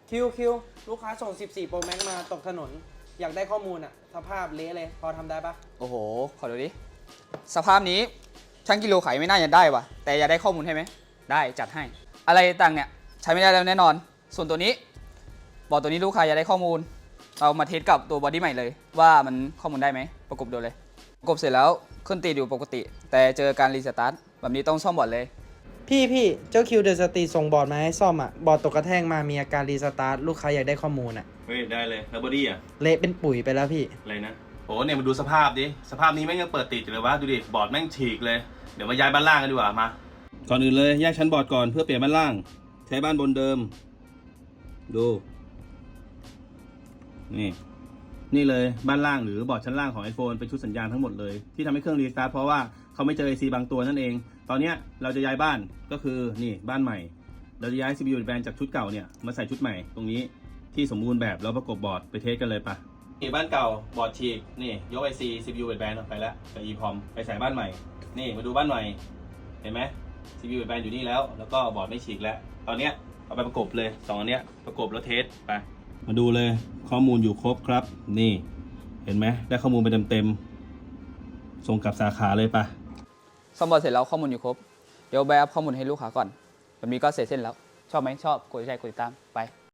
คิวลูกค้าส่ง 14 Pro Max มาตกถนน อยากได้ข้อมูลอะสภาพเละเลย พอทำได้ปะโอ้โห ขอดูดิ สภาพนี้ช่างกิโลขายไม่น่าจะได้วะแต่อยากได้ข้อมูลใช่ไหม ได้จัดให้ อะไรต่างเนี่ยใช้ไม่ได้แล้วแน่นอน ส่วนตัวนี้บอกตัวนี้ลูกค้าอยากได้ข้อมูล เอามาเทสกับตัวบอดี้ใหม่เลย ว่ามันข้อมูลได้ไหม ประกบดูเลย ประกบเสร็จแล้วขึ้นตีอยู่ปกติ แต่เจอการรีสตาร์ทแบบนี้ต้องซ่อมบอร์ดเลยพี่เจ้าคิวเดอะสตรีส่งบอร์ดมาให้ซ่อมอะบอร์ดตกกระแทกมามีอาการรีสตาร์ทลูกค้าอยากได้ข้อมูลอะเฮ้ยได้เลยแล้วบอดี้อ่ะเละเป็นปุ๋ยไปแล้วพี่อะไรนะโอ้เนี่ยมาดูสภาพดิสภาพนี้แม่งยังเปิดติดอยู่เลยวะดูดิบอร์ดแม่งฉีกเลยเดี๋ยวมาย้ายบ้านล่างกันดีกว่ามาก่อนอื่นเลยแยกชั้นบอร์ดก่อนเพื่อเปลี่ยนบ้านล่างใช้บ้านบนเดิมดูนี่เลยบ้านล่างหรือบอร์ดชั้นล่างของ iPhone เป็นชุดสัญญาณทั้งหมดเลยที่ทำให้เครื่องรีสตาร์ทเพราะว่าเขาไม่เจอ IC บางตัวนั่นเองตอนเนี้ยเราจะย้ายบ้านก็คือนี่บ้านใหม่เราจะย้าย CPU แบนจากชุดเก่าเนี่ยมาใส่ชุดใหม่ตรงนี้ที่สมบูรณ์แบบแล้วประกบบอร์ดไปเทสกันเลยปะนี่บ้านเก่าบอร์ดฉีกนี่ยก IC CPU แบนออกไปแล้วกับ EEPROM ไปใส่บ้านใหม่นี่มาดูบ้านใหม่เห็นไหม CPU แบนอยู่นี่แล้วก็บอร์ดไม่ฉีกแล้วตอนเนี้ยเอาไปประกบเลย2อันเนี้ยประกบแล้วเทสไปมาดูเลยข้อมูลอยู่ครบครับนี่เห็นไหมได้ข้อมูลไปเต็มๆส่งกลับสาขาเลยปะซ่อมบอร์ดเสร็จแล้วข้อมูลอยู่ครบ เดี๋ยวแบกข้อมูลให้ลูกค้าก่อนแบบนี้ก็เสร็จเส้นแล้ว ชอบไหมชอบกดแชร์กดติดตามไป